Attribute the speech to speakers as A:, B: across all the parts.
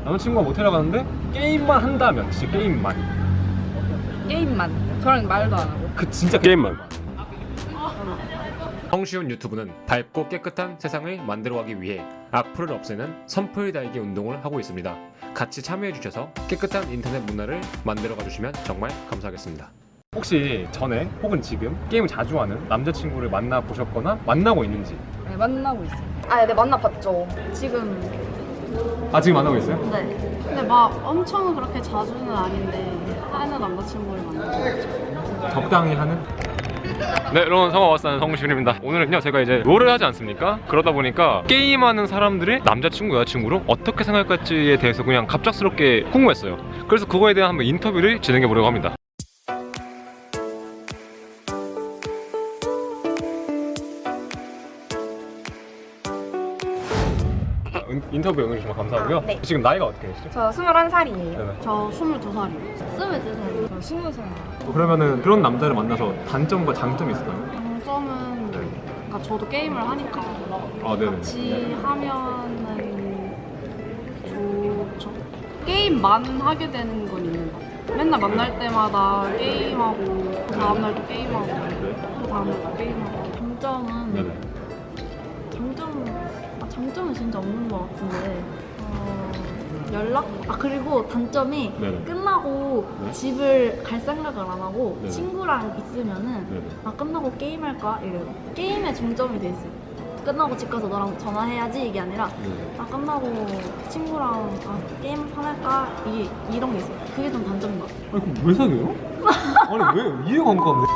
A: 남자친구가 모텔에 가는데 게임만 한다면 진짜 게임만.
B: 저랑 말도 안 하고.
A: 그 진짜 게임만. 성시훈 유튜브는 밝고 깨끗한 세상을 만들어가기 위해 악플을 없애는 선풀 달기 운동을 하고 있습니다. 같이 참여해주셔서 깨끗한 인터넷 문화를 만들어가 주시면 정말 감사하겠습니다. 혹시 전에 혹은 지금 게임을 자주 하는 남자친구를 만나보셨거나 만나고 있는지?
B: 네, 만나고 있어요.
C: 네, 만나봤죠.
B: 지금
A: 지금 만나고 있어요?
C: 네.
D: 근데 막 엄청 그렇게 자주는 아닌데 하는 남자친구를 만나고
A: 적당히 하는? 네, 여러분 성화와스는 성시훈입니다. 오늘은요 제가 이제 롤을 하지 않습니까? 그러다 보니까 게임하는 사람들의 남자친구 여자친구로 어떻게 생각할지에 대해서 그냥 갑작스럽게 궁금했어요. 그래서 그거에 대한 한번 인터뷰를 진행해 보려고 합니다. 인터뷰 응해주셔서 감사하고요.
C: 네.
A: 지금 나이가 어떻게 되시죠?
C: 저 21살이에요.
A: 네네.
D: 저 22살이요.
B: 23살, 저 20살.
A: 그러면은 그런 남자를 만나서 단점과 장점이 있을까요?
D: 장점은
A: 네.
D: 그러니까 저도 게임을 하니까
A: 네네.
D: 같이 하면은 좋죠. 게임만 하게 되는 건 있는 것 같아요. 맨날 만날 때마다 게임하고 그 다음날 또 게임하고 그 다음날 또 게임하고 장점은
A: 네네.
E: 장점은 진짜 없는 것 같은데 연락? 그리고 단점이
A: 네네.
E: 끝나고
A: 네?
E: 집을 갈 생각을 안 하고
A: 네네.
E: 친구랑 있으면은
A: 네네.
E: 끝나고 게임할까? 이래요. 게임에 중점이 돼 있어요. 끝나고 집 가서 너랑 전화해야지 이게 아니라
A: 네네.
E: 끝나고 친구랑 게임 한판 할까? 이런 게 있어요. 그게 좀 단점인 것 같아요.
A: 아니 그럼 왜 사귀어요? 아니 왜 이해가 안 가는데?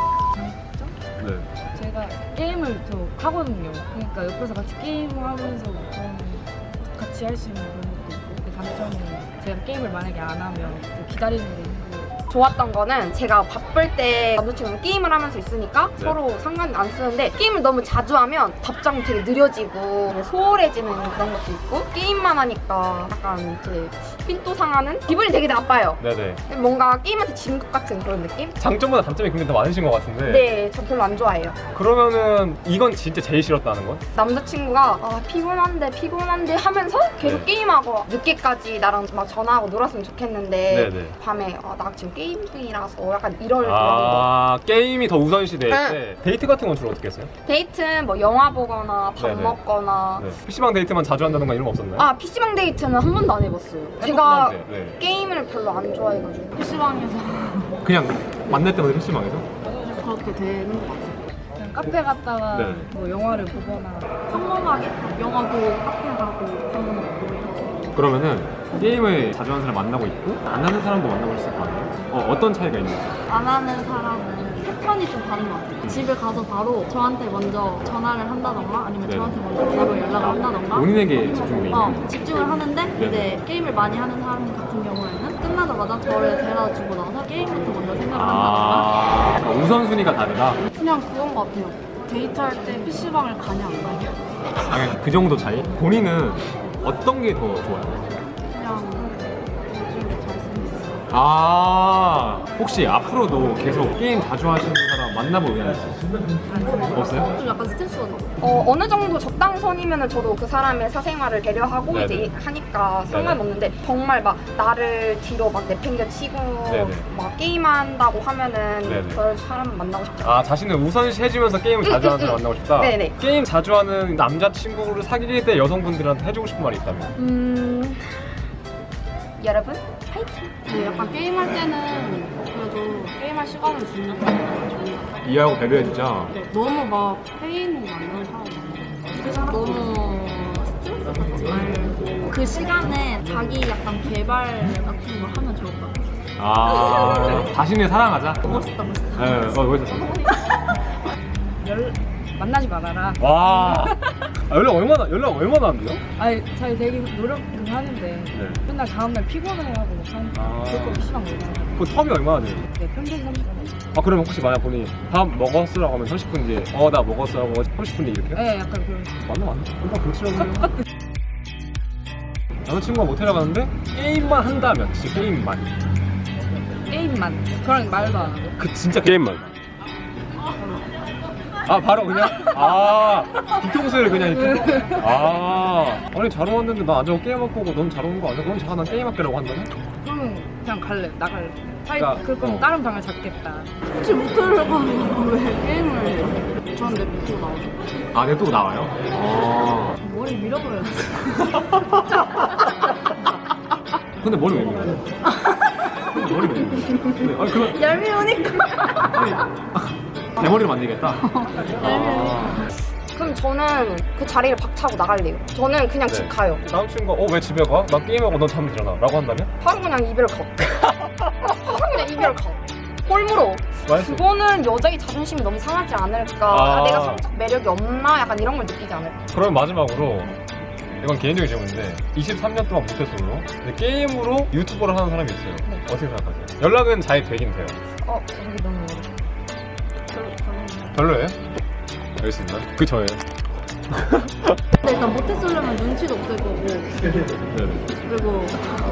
A: 네.
B: 제가 게임을 또 하거든요. 그러니까 옆에서 같이 게임을 하면서 좀 같이 할 수 있는 그런 것도 있고, 그 단점은 제가 게임을 만약에 안 하면 또 기다리는 게 힘들고.
C: 좋았던 거는 제가 바쁠 때 남자친구랑 게임을 하면서 있으니까
A: 네.
C: 서로 상관 안 쓰는데 게임을 너무 자주 하면 답장이 되게 느려지고 소홀해지는 그런 것도 있고 게임만 하니까 약간 이제 삔또 상하는 기분이 되게 나빠요.
A: 네네.
C: 뭔가 게임한테 진 것 같은 그런 느낌?
A: 장점보다 단점이 굉장히 더 많으신 것 같은데.
C: 네, 저 별로 안 좋아해요.
A: 그러면은 이건 진짜 제일 싫었다는 건?
C: 남자친구가 피곤한데 하면서 계속
A: 네.
C: 게임하고 늦게까지 나랑 막 전화하고 놀았으면 좋겠는데
A: 네네.
C: 밤에 나 지금 게임 중이라서 약간 이럴 그런 거.
A: 게임이 더 우선시 될
C: 네.
A: 때 데이트 같은 건 주로 어떻게 했어요?
C: 데이트는 뭐 영화 보거나 밥
A: 네네.
C: 먹거나
A: 네. PC방 데이트만 자주 한다던가 이런 거 없었나요?
C: PC방 데이트는 한 번도 안 해봤어요. 제가
A: 해봤긴 한데, 네.
C: 게임을 별로 안 좋아해가지고
D: PC방에서
A: 그냥 만날 때마다 PC방에서?
D: 그렇게 되는 것 같아요.
B: 그냥 카페 갔다가
A: 네.
B: 뭐 영화를 보거나.
E: 평범하게 영화 보고 카페 가고 밥 먹고
A: 그러면은 게임을 자주 하는 사람 만나고 있고 안 하는 사람도 만나고 있을 거 아니에요? 어떤 차이가 있는지?
E: 안 하는 사람은 패턴이 좀 다른 것 같아요. 집에 가서 바로 저한테 먼저 전화를 한다던가 아니면
A: 네.
E: 저한테 먼저 바로 연락을 한다던가
A: 본인에게 집중돼 있는
E: 집중을 하는데 이제 게임을 많이 하는 사람 같은 경우에는 끝나자마자 저를 데려다 주고 나서 게임부터 먼저 생각을 한다던가
A: 그러니까 우선순위가 다르다?
D: 그냥 그런 것 같아요. 데이트할 때 PC방을 가냐 안 가냐.
A: 그냥 그 정도 차이? 본인은 어떤 게 더 좋아요?
D: 그냥 요즘 잘생겼어요.
A: 혹시 앞으로도 계속 게임 자주 하시는 사람 만나볼 의향 있어요? 없어요?
E: 좀 약간 스트레스가 더
C: 어느 정도 적당선이면 저도 그 사람의 사생활을 배려하고
A: 네네.
C: 이제 하니까 상관없는데 정말 막 나를 뒤로 막 내팽겨치고
A: 네네.
C: 막 게임한다고 하면은
A: 네네.
C: 그런 사람 만나고 싶지 않아요.
A: 자신을 우선시 해주면서 게임을 자주 하는 사람 만나고 싶다?
C: 네네.
A: 게임 자주 하는 남자친구를 사귈 때 여성분들한테 해주고 싶은 말이 있다면?
C: 여러분 파이팅!
D: 네, 약간 게임할 때는 그래도 게임할 시간을 주는 게 좋은 것 같아요.
A: 이해하고 배려해주자.
D: 너무 막 페인 만나는 사람
E: 너무 스트레스 받지 말고 그 시간에 자기 약간 개발 같은 거 하면 좋을 것 같아요.
A: 자신을 사랑하자.
E: 멋있다.
A: 네, 멋있었어.
B: 만나지 말아라.
A: 와. 연락 얼마나 안 돼요?
B: 아니, 잘 되게 노력은 하는데
A: 네.
B: 맨날 다음날 피곤해하고 막 하니까 그럴 거면 PC방 못 가요.
A: 그 텀이 얼마나 돼요?
B: 네, 평균 30분.
A: 그러면 혹시 만약 본인이 밥 먹었으라고 하면 30분 뒤에 나 먹었어 하고 30분 뒤에 이렇게?
B: 네, 약간 그런.
A: 맞나? 일단 그렇지라고 해요. 남자친구가 모텔에 가는데 게임만 한다면 진짜 게임만.
B: 게임만. 저랑 말도 안 하고.
A: 그 진짜 게임만. 아 바로 그냥? 아 뒤통수를 그냥 이렇게? 아 아니 잘 오는데 나 앉아서 게임할 거고 넌 잘 오는 거 아니야? 그럼 난 게임 할게라고 한다네?
B: 그럼 그냥 갈래. 나갈래.
A: 그러니까,
B: 그럼 다른 방을 잡겠다.
D: 혹시 못하려고 하는 거왜 게임을 전 냅두고 나오죠?
A: 아 냅두고 나와요? 아
D: 머리 밀어버려야지.
A: 근데 머리 왜 밀어? 근데 머리 왜 밀어? 근데, 아니 그건
D: 얄미우니까.
A: 아니 대머리로 만들겠다?
C: 그럼 저는 그 자리를 박차고 나갈래요. 저는 그냥 집 가요.
A: 남친과 왜 집에 가? 나 게임하고 넌 잠이 들어나 라고 한다면?
C: 바로 그냥 이별 가. 바로 그냥 이별 가. 꼴물어.
A: 맛있어.
C: 그거는 여자의 자존심이 너무 상하지 않을까.
A: 아.
C: 내가 성적 매력이 없나? 약간 이런 걸 느끼지 않을까.
A: 그럼 마지막으로 이건 개인적인 질문인데 23년 동안 모태솔로 근데 게임으로 유튜버를 하는 사람이 있어요.
B: 네.
A: 어떻게 생각하세요? 연락은 잘 되긴 돼요.
B: 여기 너무
A: 별로예요? 알겠습니다. 그 저예요.
D: 근데 일단 모태솔로면 눈치도 없을 거고
A: 네.
D: 그리고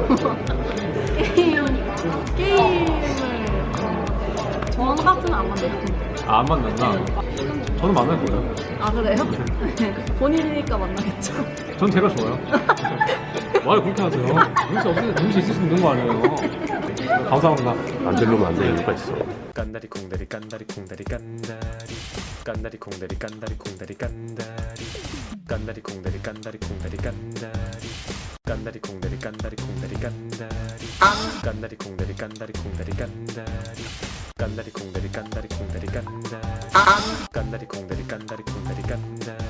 D: 게임을 전 같으면 안 만들고.
A: 안 만난다? 저는 만날 거예요.
D: 아 그래요? 본인이니까 만나겠죠.
A: 전 제가 좋아요. 말 그렇게 하세요. 눈치 있을 수 있는 거 아니에요. 감사합니다.
F: 안 들르면 안 될 이유가 있어.
A: 깐다리 콩다리 깐다리 콩다리 깐다리 깐다리 콩다리 깐다리 콩다리 깐다리 깐다리 콩다리 깐다리 콩다리 깐다리 깐다리 콩다리 깐다리 콩다리 깐다리 깐다리 콩다리 깐다리 콩다리 깐다리 깐다리 콩다리 깐다리 콩다리 깐다리 깐다리 콩다리 깐다리 콩다리 깐다리